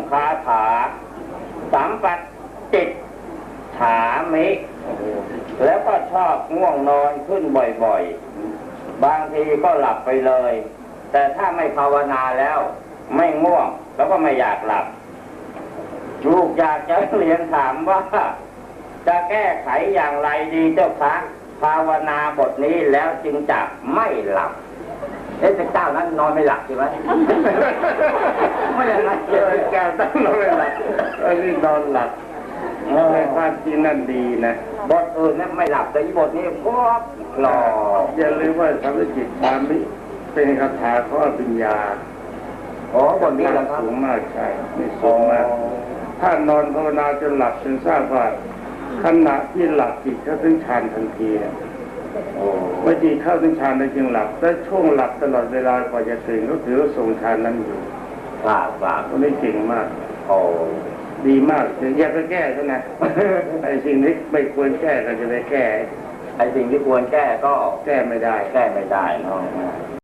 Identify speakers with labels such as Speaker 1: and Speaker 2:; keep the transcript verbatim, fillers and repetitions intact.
Speaker 1: คาถาสัมปัตจิตฉามิแล้วก็ชอบง่วงนอนขึ้นบ่อยๆบางทีก็หลับไปเลยแต่ถ้าไม่ภาวนาแล้วไม่ง่วงแล้วก็ไม่อยากหลับลูกอยากจะเรียนถามว่าจะแก้ไขอย่างไรดีเจ้าคะภาวนาบทนี้แล้วจึงจะไม่หลับเอ๊ะเจ้านั้นนอนไม่หลับใช่ไหมไม่อย่างนั้นเจ้าต้องนอนไม่หลับอันนี้นอนหลับในความจริงนั่นดีนะบทอื่นนั้นไม่หลับแต่บทนี้พวกหล่ออย่าลืมว่าสัมปจิตฌามิเป็นคาถาของอภิญญาอ๋อบทนี้สูงมากใช่ไม่สูงมากถ้านอนภาวนาจนหลับจนทราบว่าขณะที่หลับจิตเข้าถึงฌานทันทีเมื่อจิตเข้าถึงฌานแล้วจึงหลับและช่วงหลับตลอดเวลากว่าจะตื่นก็ถือว่าทรงฌานนั้นอยู่ว้าวว้าวคนนี้เก่งมากโอ้ดีมากถึงอยากจะแก้ใช่ไหมไอ้สิ่งที่ไม่ควรแก้ก็จะได้แก้ไอ้สิ่งที่ควรแก้ก็แก้ไม่ได้แก้ไม่ได้เนาะ